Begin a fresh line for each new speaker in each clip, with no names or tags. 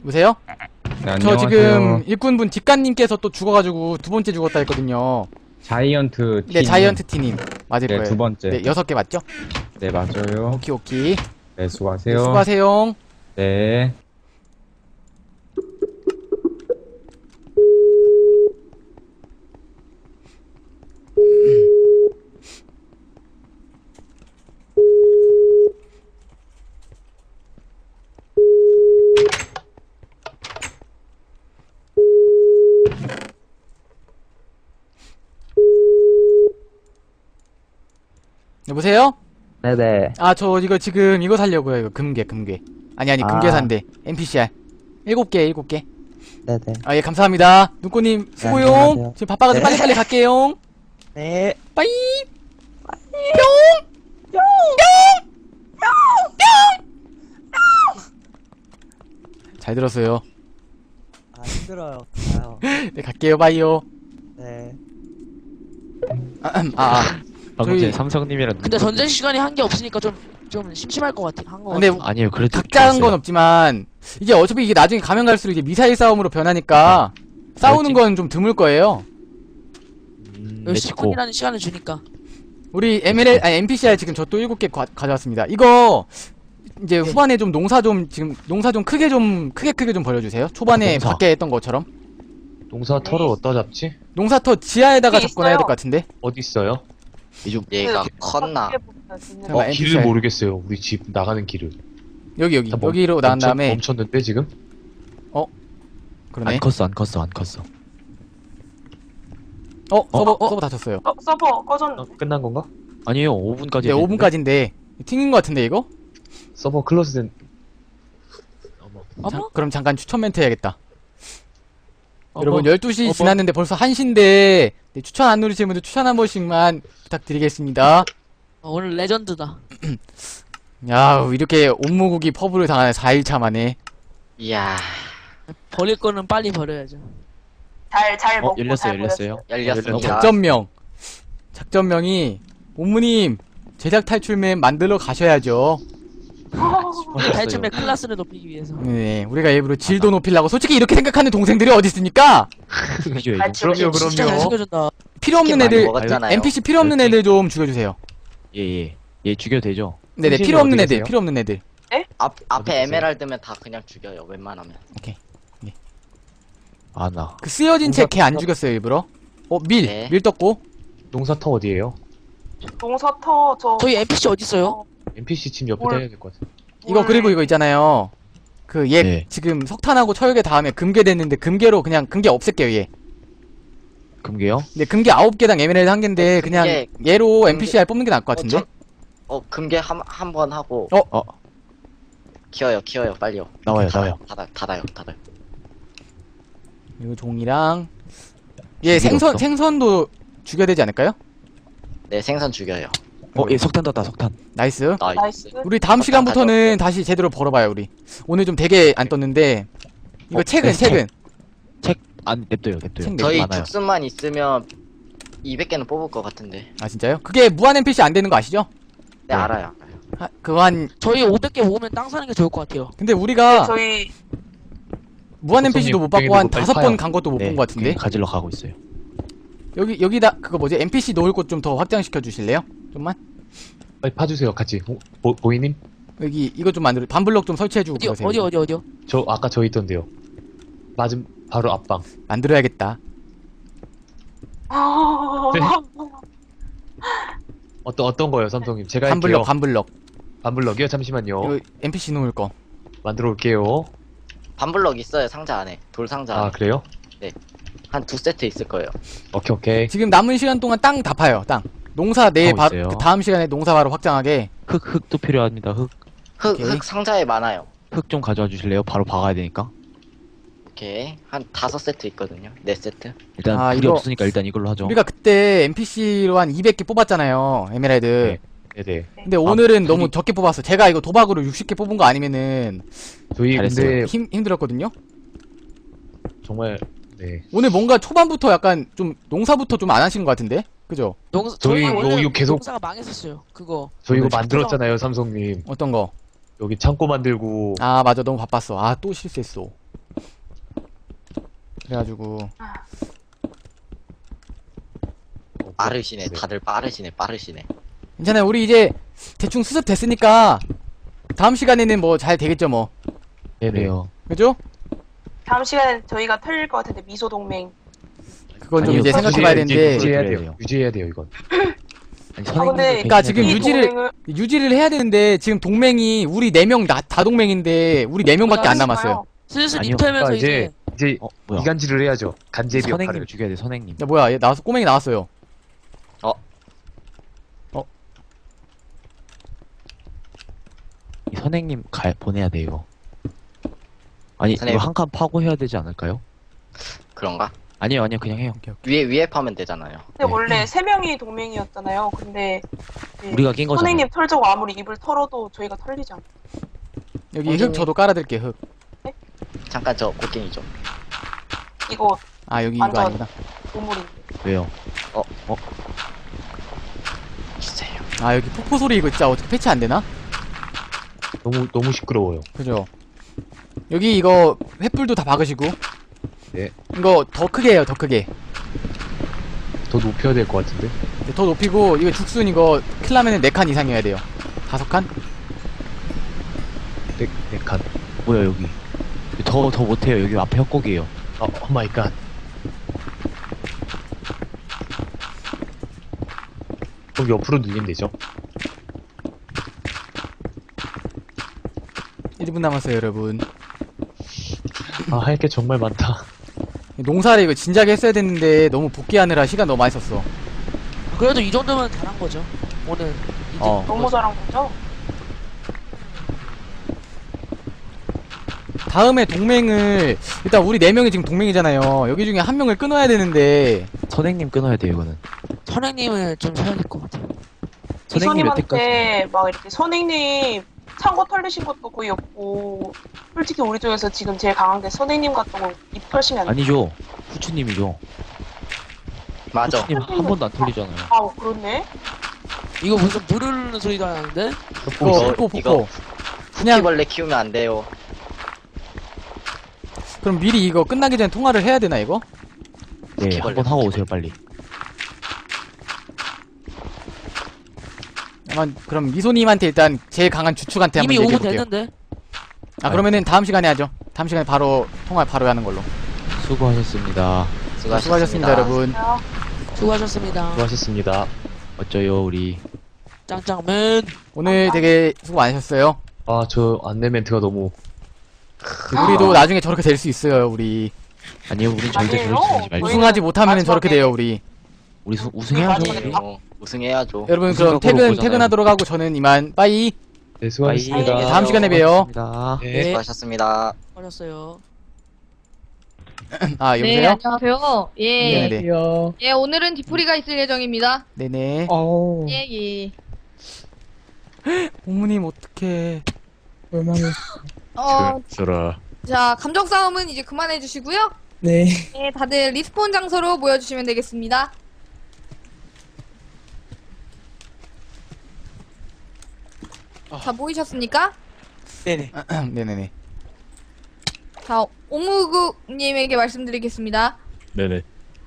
여보세요?
네,
저
안녕하세요.
지금 일꾼분 뒷간님께서 또 죽어가지고 두 번째 죽었다 했거든요.
자이언트 팀.
네, 자이언트 티님. 맞을
네,
거예요.
두 번째.
네, 6개 맞죠?
네, 맞아요.
오키, 오키.
네, 수고하세요.
네, 수고하세요.
네.
여보세요?
네네.
아, 저 이거 지금 이거 살려고요. 이거 금괴. 아니, 금괴산대. NPCR. 7개, 7개.
네네.
아, 예, 감사합니다. 눈꼬님, 수고용.
안녕하세요.
지금 바빠가지고
네.
빨리빨리 갈게요.
네.
빠이! 잘 들었어요.
아, 힘들어요. 아유.
네, 갈게요. 빠이요.
네.
방금
저희-
전에 삼성님이랑
근데 전쟁 시간이 한 게 없으니까 좀 심심할 것 같아. 한거
근데
같아.
아니에요. 그래도
각자한 건 없지만 이게 어차피 이게 나중에 가면 갈수록 이제 미사일 싸움으로 변하니까 싸우는 건 좀 드물 거예요.
맺고
10분이라는 시간을 주니까.
우리 NPCR 지금 저 또 7개 가져왔습니다. 이거 이제 후반에 좀 농사 좀 크게 좀 벌려주세요. 초반에
농사.
밖에 했던 것처럼.
농사 터를 어디다 잡지?
농사터 지하에다가
여기
접근해야 될
있어요.
것 같은데.
어디 있어요?
이좀
얘가 컸나?
잠깐만,
길을
NPCR.
모르겠어요. 우리 집 나가는 길을.
여기
다 멈-
여기로 나간 다음에
멈췄는데 지금?
그러네.
안 컸어.
서버 닫혔어요.
서버 꺼졌는데.
끝난 건가?
아니에요. 5분까지.
네, 5분까지인데 튕긴 것 같은데 이거?
서버 클로즈 된.
어머?
그럼 잠깐 추천 멘트 해야겠다.
어머?
여러분 12시
어머?
지났는데 벌써 1시인데 추천 안 누르시는 분들 추천 한 번씩만 부탁드리겠습니다.
오늘 레전드다.
야, 이렇게 온무국이 퍼블을 당하네. 4일차 만에.
이야,
버릴 거는 빨리 버려야죠.
잘 먹고
열렸어요.
열렸습니다.
작전명이 옴무님 제작 탈출맨 만들러 가셔야죠.
탈춤의 클래스를 높이기 위해서.
네, 우리가 일부러 질도 높이려고. 솔직히 이렇게 생각하는 동생들이 어디 있습니까?
그럼요,
진짜 잘 챙겨준다.
필요 없는
치킨 많이
애들,
먹었잖아요.
NPC 필요 없는 애들 좀 죽여주세요.
예. 얘 죽여도 되죠?
네네,
선생님
필요 없는
어디
애들,
계세요?
필요 없는 애들.
앞에
계세요?
에메랄드면 다 그냥 죽여요. 웬만하면.
아, 나.
그 쓰여진 채 걔 안 죽였어요, 일부러.
네.
밀 떴고.
농사 터 어디에요?
동서터
저희 NPC 어디 있어요?
NPC 집 옆에
뭘-
다녀야 될 것 같아.
이거 그리고 이거 있잖아요. 그 얘
네.
지금 석탄하고 철개 다음에 금괴 됐는데 금괴로 그냥 금괴 없앨게요 얘.
금괴요?
근데 금괴 9개당 에메랄드 1개인데 그냥
금괴-
얘로 NPCR 뽑는 게 나을 것 같은데.
금괴 한 번 하고.
어?
키워요, 빨리요.
나와요.
닫아요.
이거 종이랑 얘
죽이러 없어?
생선도 죽여야 되지 않을까요?
네, 생선 죽여요.
얘 석탄 떴다. 석탄.
나이스.
나이스.
우리 다음 시간부터는 다시 제대로 벌어봐요 우리. 오늘 좀 되게 안 떴는데. 이거 책은.
안 냅둬요.
책
저희
많아요.
죽순만 있으면 200개는 뽑을 것 같은데.
아 진짜요? 그게 무한 NPC 안 되는 거 아시죠?
네, 알아요.
그거 한
저희 500개 모으면 땅 사는 게 좋을 것 같아요.
근데 우리가
저희
무한 NPC도 못 받고 한
빨리
5번
파요.
간 것도 못 본
네.
것 같은데.
가지러 가고 있어요.
여기다 그거 뭐지? NPC 놓을 곳 좀 더 확장시켜 주실래요? 좀만.
빨리 파주세요, 같이. 보이님?
여기 이거 좀 만들어. 반블럭 좀 설치해 주고 그러세요.
어디요?
저 아까 저 있던데요. 맞음 바로 앞방.
만들어야겠다.
어떤 거요, 삼성님? 제가 할게요.
반블럭.
반블럭이요? 잠시만요.
이거 NPC 놓을 거.
만들어 올게요.
반블럭 있어요, 상자 안에. 돌 상자
아,
안에.
그래요?
한 2세트 있을 거예요.
오케이.
지금 남은 시간 동안 땅 다 파요. 땅. 농사 내일
하고 있어요.
그 다음 시간에 농사 바로 확장하게.
흙도 필요합니다.
오케이.
흙 상자에 많아요.
흙 좀 가져와 주실래요? 바로 박아야 되니까.
오케이. 한 5세트 있거든요. 4세트.
일단
아,
불이
이거-
없으니까 일단 이걸로 하죠.
우리가 그때 NPC로 한 200개 뽑았잖아요. 에메랄드.
네네.
근데 오늘은
불이-
너무 적게 뽑았어. 제가 이거 도박으로 60개 뽑은 거 아니면은
저희
잘했어요.
근데
힘들었거든요.
정말 네.
오늘 뭔가 초반부터 약간 좀 농사부터 좀 안 하신 것 같은데? 그죠?
저희
원래
이거 계속-
농사가 망했었어요. 그거.
저 이거
오늘
만들었잖아요, 삼성님.
어떤 거?
여기 창고 만들고
아 맞아, 너무 바빴어. 아 또 실수했어. 그래가지고
빠르시네. 다들 빠르시네.
괜찮아요. 우리 이제 대충 수습 됐으니까 다음 시간에는 뭐 잘 되겠죠 뭐.
네네.
그래요.
그죠?
다음 시간에 저희가 털릴 것 같은데 미소 동맹.
그건 좀
아니요,
이제 생각해봐야 되는데
유지해야
그래요.
돼요. 유지해야 돼요, 이건.
아니,
근데
선생님도
그러니까 지금
이
유지를-
동맹을-
유지를 해야 되는데 지금 동맹이 우리 4명 다 동맹인데 우리 4명밖에 안 남았어요.
슬슬
아니요.
입털면서
그러니까
이제
이제
뭐야?
이간질을 해야죠. 간제비
선생님
역할을.
죽여야 돼, 선생님.
야 뭐야 얘 나왔어 꼬맹이 나왔어요.
이 선생님 보내야 돼요. 아니,
선생님.
이거 한 칸 파고 해야 되지 않을까요?
그런가?
아니요, 그냥 해요.
위에 파면 되잖아요.
근데
네.
원래 3명이 동맹이었잖아요. 근데 이제
우리가 낀 거잖아요.
선생님 털자고 아무리 입을 털어도 저희가 털리잖아.
여기 흙 저도 깔아드릴게요 흙.
잠깐 저 곡괭이 좀.
이거
아 여기 이거
완전-
아니구나.
보물인데.
왜요?
주세요.
아 여기 폭포 소리 이거 진짜 어떻게 패치 안 되나?
너무 시끄러워요.
그죠? 여기 이거 횃불도 다 박으시고.
네.
이거 더 크게 해요 더 크게.
더 높여야 될 것 같은데.
더 높이고 이거 죽순 이거 킬라면은 4칸 이상이어야 돼요. 5칸?
네 칸.
뭐야, 여기. 더 못해요. 여기 앞에 협곡이에요.
오 마이 갓. 그럼 옆으로 늘리면 되죠.
1분 남았어요 여러분.
할 게 정말 많다.
농사를 이거 진작에 했어야 됐는데 너무 복귀하느라 시간 너무 많이 썼어.
그래도 이 정도면 잘한 거죠. 오늘 이제
너무 잘한 거죠?
다음에 동맹을 일단 우리 4명이 지금 동맹이잖아요. 여기 중에 한 명을 끊어야 되는데
선생님 끊어야 돼요, 이거는.
선생님을 좀 사야 될 것 같아요.
선생님 몇 대까지?
이소님한테 막 이렇게 선생님 창고 털리신 것도 거의 없고 솔직히 우리 중에서 지금 제일 강한 게 선생님 같은 거 입 털시면 안 돼.
아니죠. 후추님이죠.
맞아.
후추님 한 번도 안 털리잖아요.
아 그렇네.
이거 무슨 불 흐르는 소리도 안 나는데?
이거 폭포
이거
그냥
바퀴벌레 키우면 안 돼요.
그럼 미리 이거 끝나기 전에 통화를 해야 되나 이거?
네, 한 번 하고 오세요, 빨리.
그럼 미소님한테 일단 제일 강한 주축한테 한번
이미 오고
얘기해볼게요.
됐는데.
아 그러면은 다음 시간에 하죠. 다음 시간에 바로 통화 바로 하는 걸로.
수고하셨습니다.
수고하셨습니다 여러분.
수고하셨습니다.
수고하셨습니다.
어쩌요, 우리.
짱짱맨.
오늘 되게 수고 많으셨어요.
저 안내 멘트가 너무
우리도 나중에 저렇게 될 수 있어요 우리.
아니요, 우린 절대
아니에요.
저러지 말지 말죠.
우승하지 못하면 저렇게
마지막에-
돼요 우리.
우리 우승해야죠.
마지막에
우리.
우승해야죠.
여러분
우승하고
그럼 퇴근
보잖아요.
퇴근하도록 하고 저는 이만 빠이.
네, 수고하셨습니다.
빠이.
다음 시간에 봬요.
수고하셨습니다.
네.
수고하셨습니다.
수고하셨어요.
아
네,
여보세요?
안녕하세요. 예.
네네.
예, 오늘은 디프리가 있을 예정입니다.
네네.
예, 예.
어머님 어떡해.
자, 감정 싸움은 이제 그만해 주시고요.
네.
네, 다들 리스폰 장소로 모여 주시면 되겠습니다. 다 모이셨습니까?
네네.
네네네.
자, 오무국님에게 말씀드리겠습니다.
네네.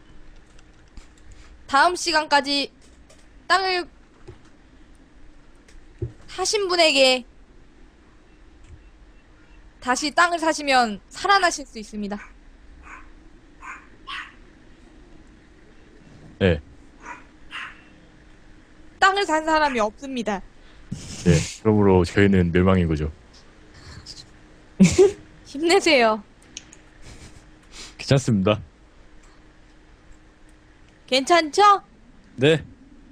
다음 시간까지 땅을 사신 분에게 다시 땅을 사시면 살아나실 수 있습니다.
네.
땅을 산 사람이 없습니다.
네. 그러므로 저희는 멸망인 거죠.
힘내세요.
괜찮습니다.
괜찮죠?
네.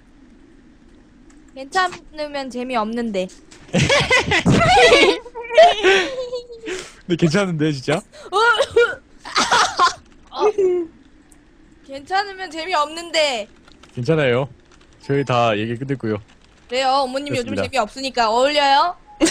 괜찮으면 재미없는데.
네, 괜찮은데, 진짜?
괜찮으면 재미없는데.
괜찮아요. 저희 다 얘기 끝냈고요.
그래요. 어머님 요즘
그렇습니다.
재미없으니까 어울려요?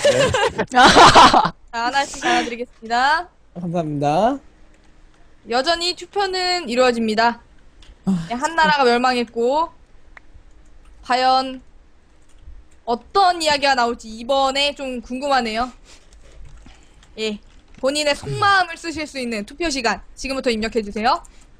자, 하나씩 나눠드리겠습니다.
감사합니다.
여전히 투표는 이루어집니다. 네, 한 나라가 멸망했고 과연 어떤 이야기가 나올지 이번에 좀 궁금하네요. 예, 본인의 속마음을 쓰실 수 있는 투표 시간 지금부터 입력해 주세요.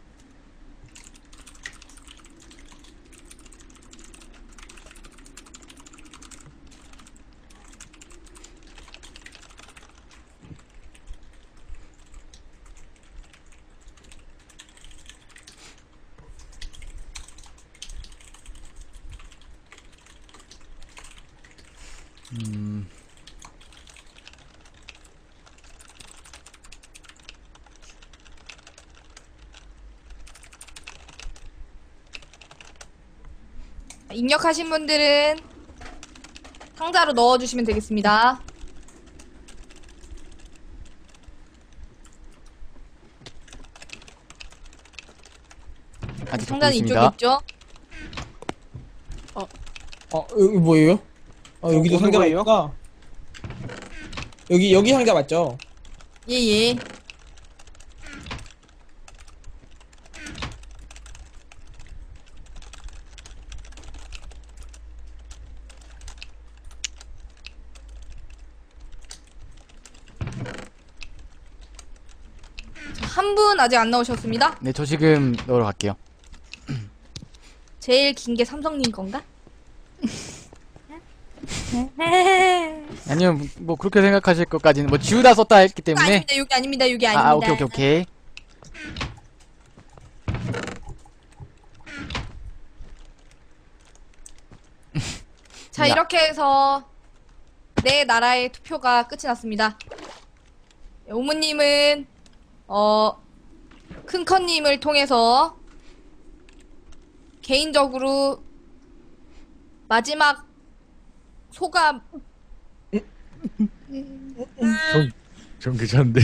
입력하신 분들은 상자로 넣어주시면 되겠습니다.
아직 적고
상자는 이쪽에
있습니다.
있죠?
여기 뭐예요? 여기도
오는
상자가
거예요?
있구나. 여기 상자 맞죠?
예예. 한 분 아직 안 나오셨습니다.
네, 저 지금 넣으러 갈게요.
제일 긴 게 삼성님 건가?
아니면 뭐 그렇게 생각하실 것까지는 뭐 지우다 썼다 했기 때문에.
아닙니다. 여기 아닙니다. 여기 아닙니다.
아, 오케이.
자,
야.
이렇게 해서 네 나라의 투표가 끝이 났습니다. 오무님은 큰커님을 통해서 개인적으로 마지막 소감
전 괜찮은데.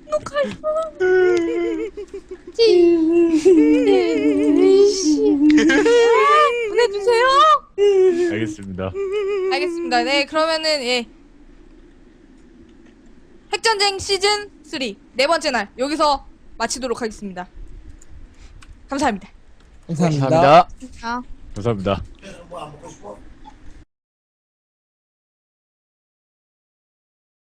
보내주세요.
알겠습니다.
알겠습니다. 네, 그러면은 예. 핵전쟁 시즌 3 네 번째 날 여기서 마치도록 하겠습니다. 감사합니다.
감사합니다.
감사합니다.
아.
감사합니다.